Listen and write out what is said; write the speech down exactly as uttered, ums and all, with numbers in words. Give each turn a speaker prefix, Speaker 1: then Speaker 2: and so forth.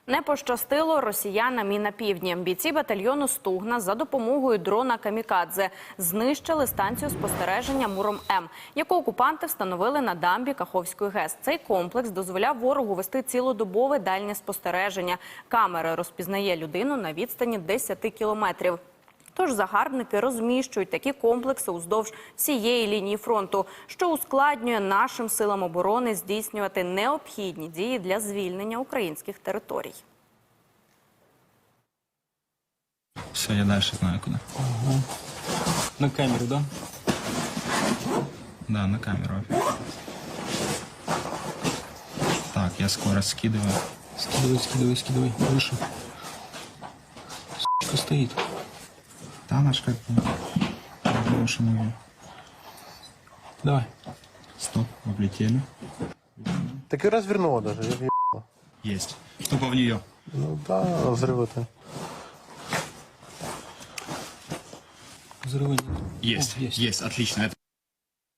Speaker 1: Не пощастило росіянам і на півдні. Бійці батальйону «Стугна» за допомогою дрона «Камікадзе» знищили станцію спостереження «Муром-М», яку окупанти встановили на дамбі Каховської ГЕС. Цей комплекс дозволяв ворогу вести цілодобове дальнє спостереження. Камера розпізнає людину на відстані десяти кілометрів. Тож загарбники розміщують такі комплекси уздовж всієї лінії фронту, що ускладнює нашим силам оборони здійснювати необхідні дії для звільнення українських територій.
Speaker 2: Все, я дальше знаю куда.
Speaker 3: Ага. На камеру, да?
Speaker 2: Да, на камеру. Так, я скорость скидываю.
Speaker 3: Скидывай, скидывай, скидывай. Выше. С***ка стоит.
Speaker 2: Да, наш как больше мы.
Speaker 3: Давай.
Speaker 2: Стоп, облетели.
Speaker 4: Так и развернуло даже. Я въебало.
Speaker 2: Есть. Тупо в нее.
Speaker 4: Ну да, взрывы-то.
Speaker 3: Взрыва нет.
Speaker 2: Есть,
Speaker 3: О, есть.
Speaker 2: есть, отлично. Это